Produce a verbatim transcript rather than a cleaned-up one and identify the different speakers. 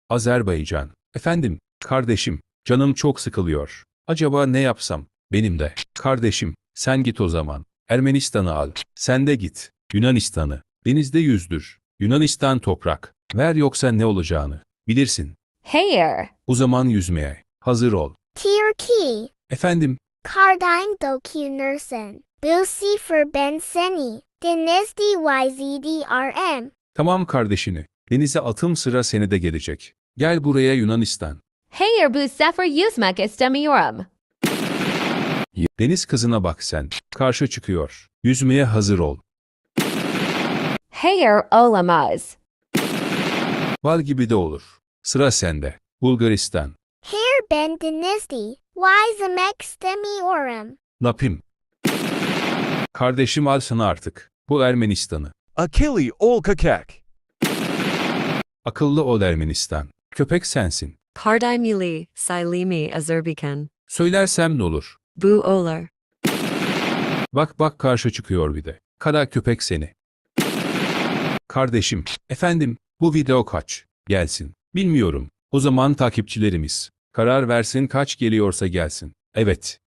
Speaker 1: Azerbaycan. Efendim, kardeşim, canım çok sıkılıyor. Acaba ne yapsam? Benim de. Kardeşim, sen git o zaman. Ermenistan'ı al. Sen de git. Yunanistan'ı. Denizde yüzdür. Yunanistan toprak. Ver yoksa ne olacağını. Bilirsin.
Speaker 2: Hayır.
Speaker 1: O zaman yüzmeye. Hazır ol.
Speaker 3: Tirki.
Speaker 1: Efendim,
Speaker 3: Kardain dokunursın. Bilsi for ben seni. Denizdi yzdrm.
Speaker 1: tamam kardeşini. Denize atım sıra seni de gelecek. Gel buraya Yunanistan.
Speaker 2: Hayır bu sefer yüzmek istemiyorum.
Speaker 1: Deniz kızına bak sen. Karşı çıkıyor. Yüzmeye hazır ol.
Speaker 2: Hayır olamaz.
Speaker 1: Bal gibi de olur. Sıra sende. Bulgaristan.
Speaker 3: Her ben denizdi. Yzmek istemiyorum.
Speaker 1: Napim. Kardeşim al sana artık. Bu Ermenistan'ı.
Speaker 4: Akili ol kakak.
Speaker 1: Akıllı ol Ermenistan. Köpek sensin.
Speaker 5: Kardaimili, Silimi, Azerbaycan.
Speaker 1: Söylersem ne olur?
Speaker 5: Bu olar.
Speaker 1: Bak bak karşı çıkıyor bir de. Kara köpek seni. Kardeşim, efendim, bu video kaç? Gelsin. Bilmiyorum. O zaman takipçilerimiz karar versin kaç geliyorsa gelsin. Evet.